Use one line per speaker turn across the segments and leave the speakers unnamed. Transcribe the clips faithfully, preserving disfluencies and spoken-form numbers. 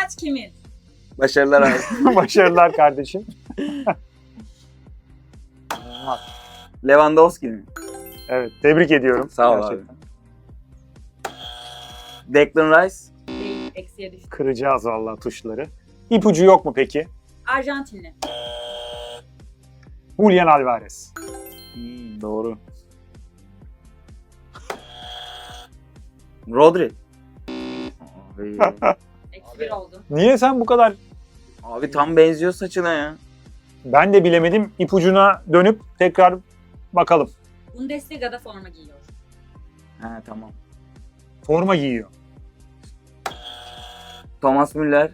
maç kimin?
Başarılar abi.
Başarılar kardeşim.
Lewandowski mi?
Evet, tebrik ediyorum.
Sağ ol
Gerçekten.
abi. Declan Rice.
Değil, eksiye düştü.
Kıracağız vallahi tuşları. İpucu yok mu peki?
Arjantinli.
Julian Alvarez.
Hmm, doğru. Rodri. Abi,
Eksi bir oldu.
Niye sen bu kadar...
abi tam benziyor saçına ya.
Ben de bilemedim. İpucuna dönüp tekrar bakalım.
Bundesliga'da forma giyiyor.
Ha tamam.
Forma giyiyor.
Thomas Müller.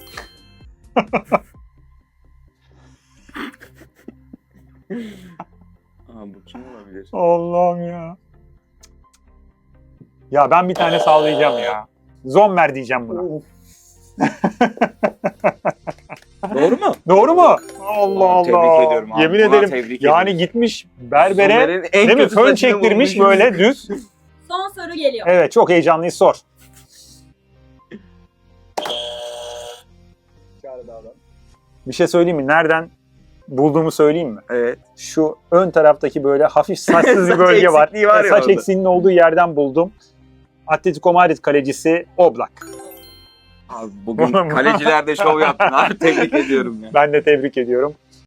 Aa, bu kim olabilir?
Allah'ım ya. Ya ben bir tane sallayacağım ya. Zommer diyeceğim buna.
Doğru mu?
Doğru mu? Allah Allah.
Tebrik ediyorum abi.
Yemin
Buna
ederim.
tebrik
Yani
ediyorum.
gitmiş berbere
Zommer'in en
değil mi?
kötü
Fön
saçını
çektirmiş
bulmuş.
böyle düz.
Son soru geliyor.
Evet, çok heyecanlıyız, sor. Bir şey söyleyeyim mi? Nereden bulduğumu söyleyeyim mi?
Evet.
Şu ön taraftaki böyle hafif saçsız bir
Saç
bölge var.
eksikliği var ya
Saç
orada.
eksiğinin olduğu yerden buldum. Atletico Madrid kalecisi Oblak.
Abi bugün kalecilerde şov yaptın abi. Tebrik ediyorum ya.
Ben de tebrik ediyorum.